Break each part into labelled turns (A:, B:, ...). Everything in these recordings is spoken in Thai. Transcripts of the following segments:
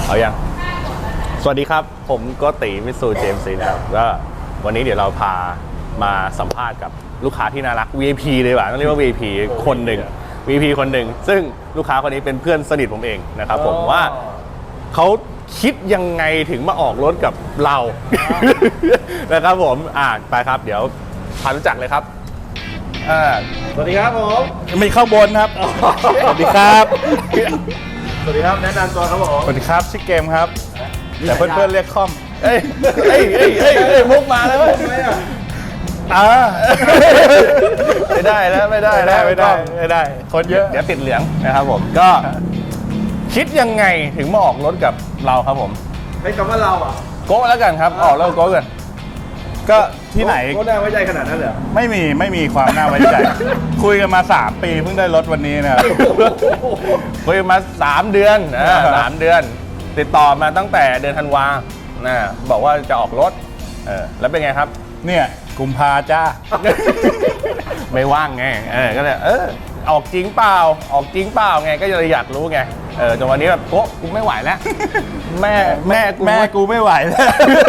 A: เอายังสวัสดีครับผมโกติมิตซูเจมส์นะครับก็วันนี้เดี๋ยวเราพามาสัมภาษณ์กับลูกค้าที่น่ารัก VIP เลยว่ะต้องเรียกว่า VIP คนหนึ่ง VIP คนหนึ่งซึ่งลูกค้าคนนี้เป็นเพื่อนสนิทผมเองนะครับผมว่าเขาคิดยังไงถึงมาออกรถกับเรา นะครับผมไปครับเดี๋ยวพารู้จักเลยครับ
B: สวัสดีครับผม
C: ไม่เข้าบนครับ สวัสดีครับ
B: สวัสดีครับแนะนำตัวครับผม
C: สวัสดีครับชื่อเกมครับ แต่เพื่อนๆเรียกค่อม
A: เอ้ยมุกมาแล้วเว้ย
B: ทำไมอ่ะ
A: ไม่ได้แล้วไม่ได้แล้ว
C: ไม่ได้คนเยอะ
A: เดี๋ยวติดเหลืองนะครับผมก็คิดยังไงถึงมาออกรถกับเราครับผม
B: ให้คำว่าเราอ่ะ
A: โก้แล้วกันครับออกแล้วโก้กัน
C: ก็ที่ไหน
B: ก็น่าไว้ใจขนาดนั้นเหรอ
C: ไม่มีความน่าไว้ใจ คุยกันมา3 ปีเพิ่งได้รถวันนี้นะครับ
A: คุยมา3 เดือน3 เดือน ติดต่อมาตั้งแต่เดือนธันวาบอกว่าจะออกรถแล้วเป็นไงครับ
C: เนี่ยกุมภาจ้า
A: ไม่ว่างไงก็เลยออกจริงเปล่าไงก็เลยอยากรู้ไงจนวันนี้แบบโก้กูไม่ไหวแล้ว แม่
C: กูไม่ไหวแล้ว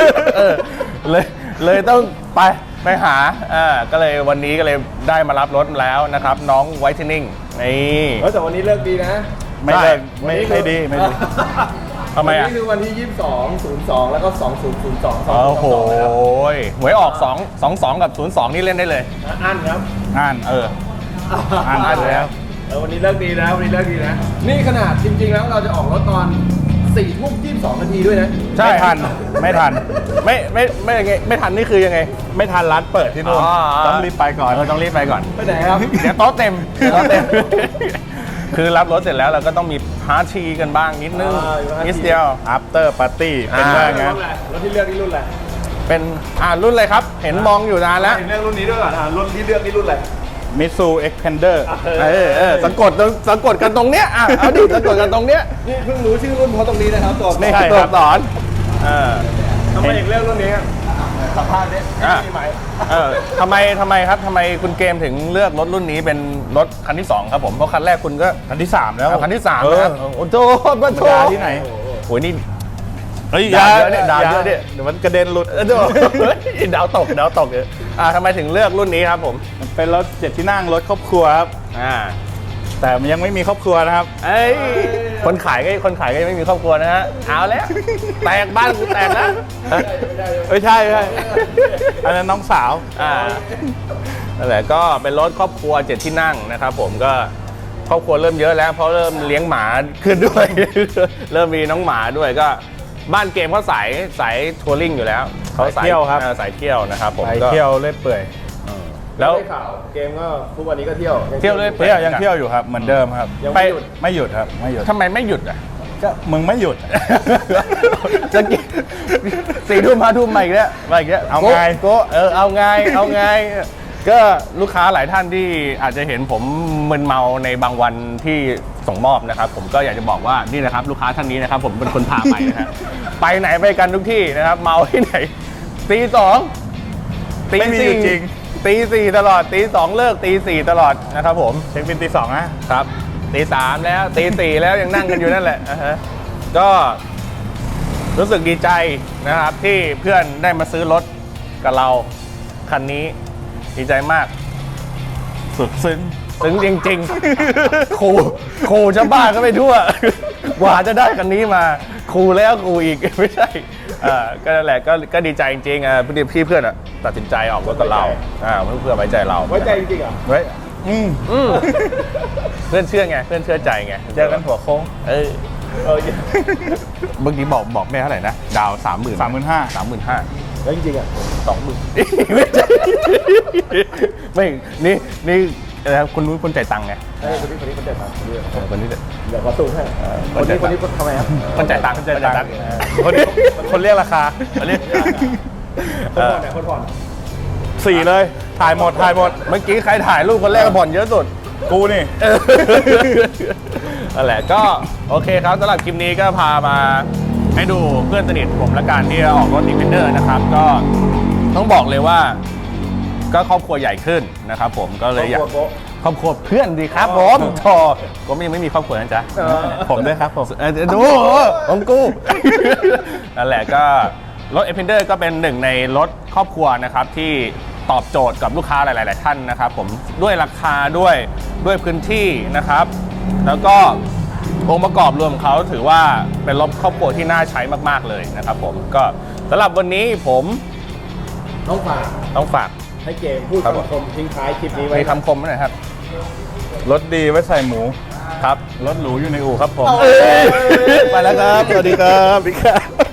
A: เลยต้องไปหาก็เลยวันนี้ก็เลยได้มารับรถแล้วนะครับน้องไวท์เทนนิ่งนี่
B: แต่วันนี้เลิกดีนะ
C: ไม่เลิกไม่ดี
A: ทำไมอ่ะ
B: วันนี้คือวันที่2202แล้วก็2002
A: โอ้โหหวยออก22กับ02นี่เล่นได้เลย
B: อันครับ
C: อ่านอ่านแล้ว
B: วันนี้เลิกดีนะวันนี้เลิกดีนะนี่ขนาดจริงๆแล้วเราจะออกรถตอน4:22 นาทีด้วยนะ
A: ใช่
C: ไม่ทัน
A: ไม่ทันนี่คือยังไง
C: ไม่ทันร้านเปิดที่นู่น ต้องรีบไปก่อน
A: ต้องรีบไปก่อน
B: ไปไหนครับ
A: เดี๋ยวโต๊ะเต็ม คือรับรถเสร็จแล้วเราก็ต้องมีพาร์ทีกันบ้างนิดนึงนิดเดียว
C: after party เป็นว่างั้น
B: รถที่เลือกนี่รุ่นอะไร
A: เป็นรุ่นอะไรครับ เห็นมองอยู่นานแล้ว
B: เลือกรุ่นนี้ด้วยก่อนรุ่นที่เลือกนี่รุ่นอะไร
C: Mitsu Xpander
A: สะกดกันตรงเนี้ยเอาดิสะกดกันตรงเนี้ย
B: นี่เพิ่งรู้ชื่อรุ่นเพราะตรงนี้นะครับตัว
A: นี่
C: ใช่
A: ตัว
C: ครับ
A: สอน
B: ทำไมถึงเลือกรุ่นนี้สัมภาษณ์เนี่ยมีไหม
A: ทำไมครับทำไมคุณเกมถึงเลือกรถรุ่นนี้เป็นรถคันที่2ครับผมเพราะคันแรกคุณก็
C: คันที่ 3 แล้ว
A: คันที่3นะครับโอ้โหมาโถ
C: ยาที่ไหน
A: โอ้ยนี่
C: เฮ้ย
A: ด่าเยอะเนี่ยด่าเยอะเนี่ย
C: เดี๋ยวมันกระเด็นหลุด
A: ดาวตกเลยทำไมถึงเลือกรุ่นนี้ครับผม
C: มันเป็นรถ7 ที่นั่งรถครอบครัวครับ แต่มันยังไม่มีครอบครัวนะครับ
A: คนขายก็ยังไม่มีครอบครัวนะฮะเอาแล้วแตกบ้านกูแตกแล้ว
C: ใช่อันนั้นน้องสาว
A: นั่นแหละก็เป็นรถครอบครัว7 ที่นั่งนะครับผมก็ครอบครัวเริ่มเยอะแล้วเพราะเริ่มเลี้ยงหมาขึ้นด้วย เริ่มมีน้องหมาด้วยก็บ้านเกมเขาสายทัวริงอยู่แล้วเขา
C: สายเที่ยวครับ
A: สายเที่ยวนะครับผม
C: ไป
A: ก็
C: เที่ยวเล่อยเปื่อย
A: แล้ว
B: ได้ข่าวเกมก็ทุกวันนี้ก็เที่ยว
A: เที่ยวเรื่อย
C: เที่ยวยังเที่ยวอยู่ครับเหมือนเดิมครับ
B: ยัง
A: ไป
B: ไม่หยุด
C: ไม่หยุดครับไม่หยุด
A: ทำไมไม่หยุดอ่ะ
C: ก็มึงไม่หยุด
A: จะกิน4 ทุ่ม5 ทุ่มมาอีกแล้ว
C: เอาไง
A: ก็เอาไงก็ลูกค้าหลายท่านที่อาจจะเห็นผมมึนเมาในบางวันที่ส่งมอบนะครับผมก็อยากจะบอกว่านี่นะครับลูกค้าท่านนี้นะครับผมเป็นคนพาไปนะฮะ ไปไหนไปกันทุกที่นะครับเมาที่ไหนตี 2ตี
C: ไม่มีอยู่จริง
A: ตี 4ตลอดตี 2เลิกตี 4ตลอดนะครับผม
C: เช็คบินตี 2นะครับ
A: ตี 3แล้วตี 4แล้วยังนั่งกันอยู่นั่นแหละก็รู้สึกดีใจนะครับที่เพื่อนได้มาซื้อรถกับเราคันนี้ดีใจมาก
C: สุดซึ้ง
A: ถึงจริงๆ ครูชาวบ้านก็ไปทั่ว กว่าจะได้คันนี้มาครูแล้วครูอีก ไม่ใช่ก็นั่นแหละก็ดีใจจริงๆพี่เพื่อนตัดสินใจออกรถกับเราเพื่อนไว้ใจเรา
B: ไว้ใจจริงๆเหรอ
C: ไว้
A: เพื่อนเชื่อไงเพื่อนเชื่อใจไง
C: เจอกันหัวโค้ง
A: เมื่อกี้บอกแม่เท่าไหร่นะดาว 30,000
C: 35,000
B: แล้วจริงๆอ่ะ
A: 20,000ไม่นี่คุณรู้คนจ่ายตังค์ไง
B: คนนี้คนเด็ดมาคนนี้
A: คนนี้
B: เดี๋ยวขอตู้ให้คนนี้ทำไมครับ
A: คนจ่ายตังค์
C: คนเรียกราคา
B: คนผ่อน
C: 4 เลยถ่ายหมด
A: เมื่อกี้ใครถ่ายรูปคนแรกก็ผ่อนเยอะสุด
C: กูนี่
A: นั่นแหละก็โอเคครับสำหรับคลิปนี้ก็พามาให้ดูเพื่อนสนิทผมและการที่ออกรถ Defender นะครับก็ต้องบอกเลยว่าก็ครอบครัวใหญ่ขึ้นนะครับผมก็เลยอยากครอบครัวเพื่อนดีครับผมโธ่ก็ยังไม่มีครอบครัวนะจ๊ะ
C: ผมด้วยครับผม
A: ดูของกู นั่นแหละก็รถ Xpander ก็เป็นหนึ่งในรถครอบครัวนะครับที่ตอบโจทย์กับลูกค้าหลาย ๆ ท่านนะครับผมด้วยราคาด้วยพื้นที่นะครับ แล้วก็องค์ประกอบรวมของเขาถือว่าเป็นรถครอบครัวที่น่าใช้มาก ๆ เลยนะครับผมก็สำหรับวันนี้ผม
B: ต้องฝาก
A: ต้องฝาก
B: ให้เกมพูด
A: ครับ
B: คำคมทิ้งท้ายคลิปนี้ไว้
A: มีคำคมไหมหน่อยครับ
C: รถดีไว้ใส่หมู
A: ครับ
C: รถหรูอยู่ในอู่ครับผม
A: ไปแล้วครับ สวัสดีครับ